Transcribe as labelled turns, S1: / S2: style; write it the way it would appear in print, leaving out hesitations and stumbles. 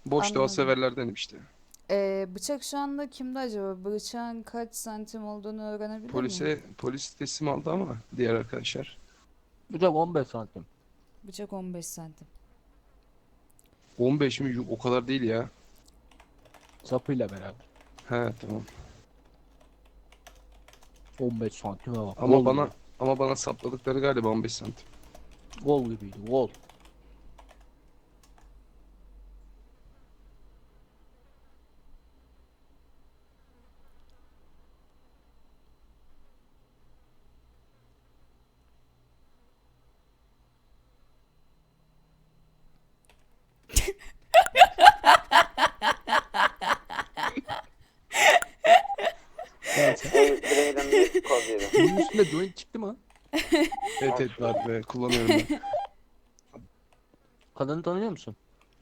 S1: Boş doğa
S2: Anladım.
S1: severlerdenim işte.
S2: Bıçak şu anda kimde acaba? Bıçağın kaç santim olduğunu öğrenebilir miyim?
S1: Polis teslim aldı ama diğer arkadaşlar.
S3: Bıçak 15 santim.
S2: Bıçak 15 santim.
S1: 15 mi? O kadar değil ya.
S3: Sapıyla beraber.
S1: He tamam.
S3: 15 santime bak.
S1: Ama
S3: Gol
S1: bana
S3: gibi.
S1: ama bana sapladıkları galiba 15 santim.
S3: Gol gibiydi. Gol. Neyse.
S4: Braden bir kod yedi.
S3: Bunun üstünde joint çıktı mı?
S1: Evet evet var ve kullanıyorum ben.
S3: Kadını tanıyor musun?